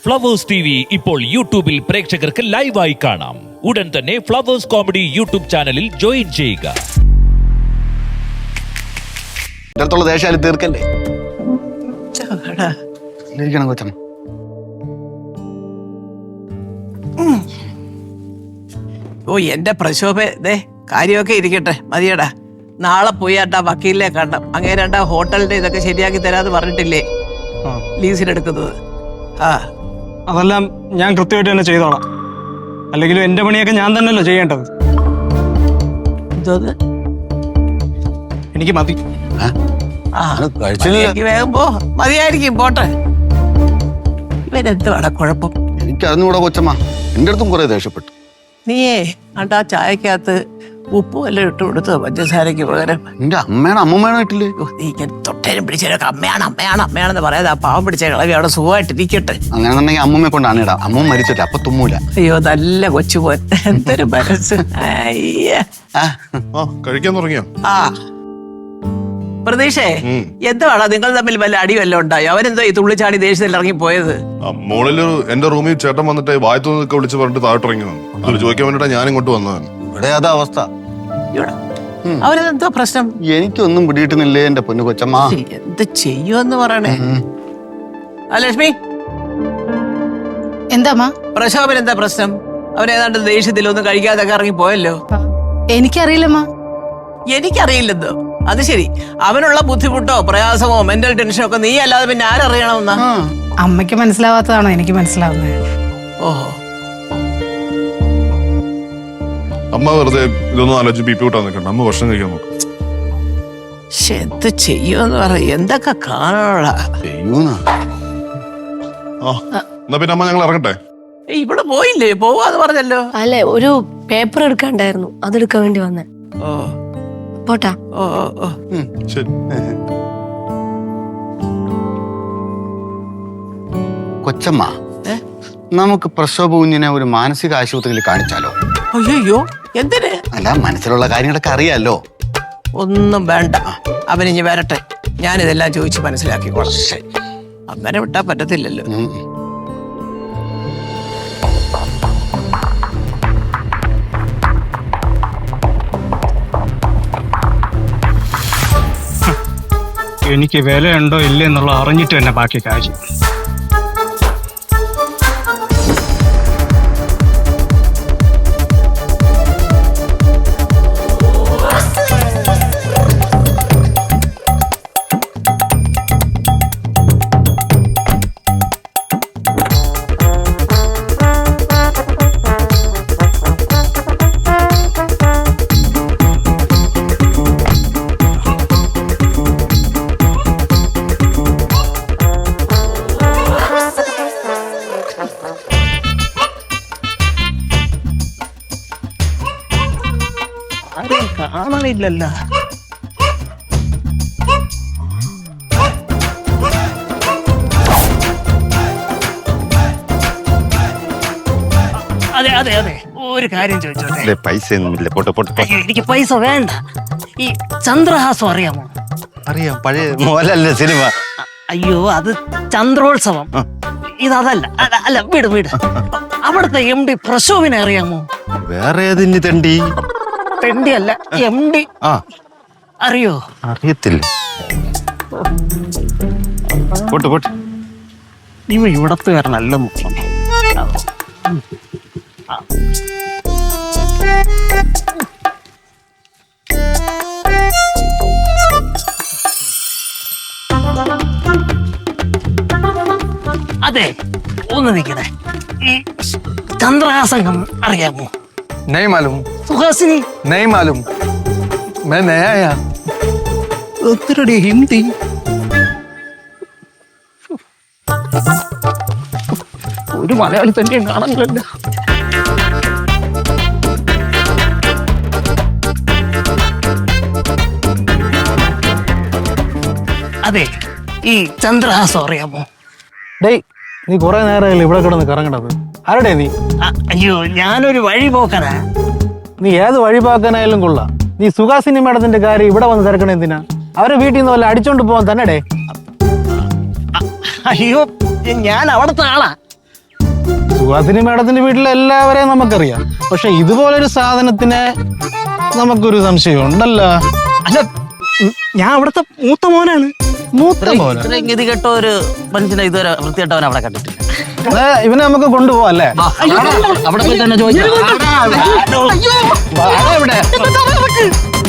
Flowers TV ഇപ്പോൾ യൂട്യൂബിൽ പ്രേക്ഷകർക്ക് ലൈവായി കാണാം. ഉടൻ തന്നെ ഫ്ലവേഴ്സ് കോമഡി യൂട്യൂബ് ചാനലിൽ ജോയിൻ ചെയ്യുക. ദേശാലി തീർക്കല്ലേ കൊച്ചമ്മ. ഓ എന്റെ പ്രശോഭ ദേ കാര്യമൊക്കെ ഇരിക്കട്ടെ മതിയടാ. നാളെ പോയി ആട്ടാ വക്കീലിനെ കാണണം. അങ്ങേരണ്ടാ ഹോട്ടലിന്റെ ഇതൊക്കെ ശരിയാക്കി തരാന്ന് പറഞ്ഞിട്ടില്ലേ ലീസിനെടുക്കുന്നത്? ആ അതെല്ലാം ഞാൻ കൃത്യമായിട്ട് തന്നെ ചെയ്തോളാം. അല്ലെങ്കിലും എന്റെ പണിയൊക്കെ ഞാൻ തന്നെയല്ലോ ചെയ്യേണ്ടത്. എന്തോന്ന് എനിക്ക് മതി. എനിക്ക് വേഗം പോ. മതിയായിരിക്കും, പോട്ടെ. ഇവരെന്തുവാടാ കുഴപ്പം? എനിക്ക് അറിഞ്ഞുകൂടാ കൊച്ചമ്മ. എന്റെ അടുത്തും കുറെ ദേഷ്യപ്പെട്ടു. നീയേ ആണ്ടാ ചായക്കകത്ത് ഉപ്പും എല്ലാം ഇട്ട് കൊടുത്തോ പഞ്ചസാരക്ക് പകരം? എന്റെ അമ്മയാണ് അമ്മമ്മയാണോ ഇട്ടില്ലേ? നീ ഇങ്ങനെ തൊട്ടേനും പിടിച്ചേരൊക്കെ അമ്മയാണ് അമ്മയാണ് അമ്മയാണെന്ന് പറയാതെ ആ പാവം പിടിച്ച കളവി അവിടെ സുഖമായിട്ടിരിക്കട്ടെ. അങ്ങനെന്നുണ്ടെങ്കിൽ അമ്മമ്മയെ കൊണ്ടാണ് ഇടാം. അമ്മ മരിച്ചിട്ട് അപ്പൊ തുമ്മൂല. അയ്യോ നല്ല കൊച്ചുപോൻ, എന്തൊരു മനസ്സ്. കഴിക്കാൻ തുടങ്ങിയോ? ആ പ്രതീക്ഷേ, എന്തുവാടാ നിങ്ങൾ തമ്മിൽ വല്ല അടി വല്ലതും ഉണ്ടായോ? അവനെന്തോ ഈ തുള്ളിച്ചാടി ദേഷ്യത്തിൽ ഇറങ്ങി പോയത്? മോളില് എന്റെ റൂമിൽ ചേട്ടൻ വന്നിട്ട് വായത്തുനിന്നൊക്കെ വിളിച്ച് പറഞ്ഞിട്ട് താഴോട്ടിറങ്ങി വന്നു. അത് ചോദിക്കാൻ വേണ്ടിട്ടാ ഞാൻ ഇങ്ങോട്ട് വന്നതാണ്. ഇവിടെ അതാ അവസ്ഥ. അവനെന്തോ പ്രശ്നം? എനിക്കൊന്നും പിടിയിട്ടുന്നില്ലേ എന്റെ പൊന്നു കൊച്ചമ്മ. എന്ത് ചെയ്യുമെന്ന് പറയണേ. ആ ലക്ഷ്മി, എന്താ പ്രശോഭൻ എന്താ പ്രശ്നം? അവനേതാണ്ട് ദേഷ്യത്തിൽ ഒന്നും കഴിക്കാതൊക്കെ ഇറങ്ങി പോയല്ലോ. എനിക്കറിയില്ലമ്മ. എനിക്കറിയില്ലെന്നോ? അത് ശരി. അവനുള്ള ബുദ്ധിമുട്ടോ പ്രയാസമോ മെന്റൽ ടെൻഷനോ ഒക്കെ നീ അല്ലാതെ പിന്നെ ആരറിയണമെന്നാ? അമ്മയ്ക്ക് മനസ്സിലാവാത്തതാണോ എനിക്ക് മനസ്സിലാവുന്നത്? ഓഹോ, അമ്മ വെറുതെ ഇതൊന്നും ആലോചിച്ച് ബി പി കൂട്ടാൻ നിൽക്കണ്ട. അമ്മ ഭക്ഷണം കഴിക്കാൻ നോക്കും. എന്ത് ചെയ്യുമെന്ന് പറ. എന്തൊക്കെ കാണാ എന്നാ പിന്നെ അമ്മ ഞങ്ങൾ ഇറങ്ങട്ടെ. ഇവിടെ പോയില്ലേ? പോവാന്ന് പറഞ്ഞല്ലോ. അല്ലെ, ഒരു പേപ്പർ എടുക്കാണ്ടായിരുന്നു, അതെടുക്കാൻ വേണ്ടി വന്നേ. ഓ പോട്ടാ. ഓ ഓ ശരി. കൊച്ചമ്മ, നമുക്ക് പ്രസവ കുഞ്ഞിനെ ഒരു മാനസിക ആശുപത്രിയിൽ കാണിച്ചാലോ? അയ്യോ, എന്തിന്? അല്ല, മനസ്സിലുള്ള കാര്യങ്ങളൊക്കെ അറിയാലോ. ഒന്നും വേണ്ട, അവനിഞ്ഞ് വരട്ടെ. ഞാനിതെല്ലാം ചോദിച്ച് മനസ്സിലാക്കിക്കോളാം. അങ്ങനെ വിട്ടാ പറ്റത്തില്ലല്ലോ. എനിക്ക് വിലയുണ്ടോ ഇല്ലേ എന്നുള്ള അറിഞ്ഞിട്ട് തന്നെ ബാക്കി കാര്യം. കാണാനില്ലല്ലോ. അതെ അതെ അതെ, ഒരു കാര്യം ചോദിച്ചോട്ടെ? പൈസ ഒന്നുമില്ല. പോട്ടെ പോട്ടെ. അയ്യോ, എനിക്ക് പൈസ വേണ്ട. ഈ ചന്ദ്രഹാസം അറിയാമോ? അറിയാം, പഴയ മോഹൻലാലിന്റെ സിനിമ. അയ്യോ, അത് ചന്ദ്രോത്സവം. ഇതല്ല. അല്ല, വീട് വീട്. അവിടുത്തെ MD പ്രശോഭിനെ അറിയാമോ? വേറെ ഏതിന് തെണ്ടി? തെണ്ടി അല്ല, MD. അറിയോ? അറിയത്തില്ല. പോട്ടെ പോട്ടെ. നീ ഇവിടത്തുകാരനല്ല മുഖ്യം. അതെ, ഒന്ന് നിൽക്കണേ. ഈ ചന്ദ്രഹാസം അറിയാമോ? नहीं मालूम. സുഹാസിനി नहीं मालूम. मैं नया आया. ഒത്തിരി ഹിന്ദി. ഒരു മലയാളി തന്നെയും കാണാനില്ലല്ലോ. അതെ, ഈ ചന്ദ്രഹാസം അറിയാമോ? ഡേയ്, നീ കുറെ നേരമല്ലേ ഇവിടെ കിടന്ന് കറങ്ങണത്? ആരുടെ നീ? അയ്യോ, ഞാനൊരു വഴി പോക്കനാ. നീ ഏത് വഴിപാക്കാനായാലും കൊള്ളാം. നീ സുഹാസിനി മേഡത്തിന്റെ കാര്യം ഇവിടെ വന്ന് തിരക്കണ എന്തിനാ? അവരെ വീട്ടിൽ നിന്ന് വല്ല അടിച്ചോണ്ട് പോകാൻ തന്നെ. അയ്യോ, ഞാൻ അവിടുത്തെ ആളാ. സുഹാസിനി മേഡത്തിന്റെ വീട്ടിലെ എല്ലാവരെയും നമുക്കറിയാം. പക്ഷെ ഇതുപോലൊരു സാധനത്തിന് നമുക്കൊരു സംശയം ഉണ്ടല്ലോ. അല്ല ഞാൻ അവിടുത്തെ മൂത്ത മോനാണ്. മൂത്ത പോലെ ഇത്രയും ഗതി കെട്ട ഒരു മനുഷ്യനെ ഇതുവരെ വൃത്തികെട്ടവൻ അവിടെ കണ്ടിട്ടില്ല. ഇവനെ നമുക്ക് കൊണ്ടുപോവാം അല്ലേ? അവിടെ പോയി തന്നെ ചോദിക്കാം. ഇവിടെ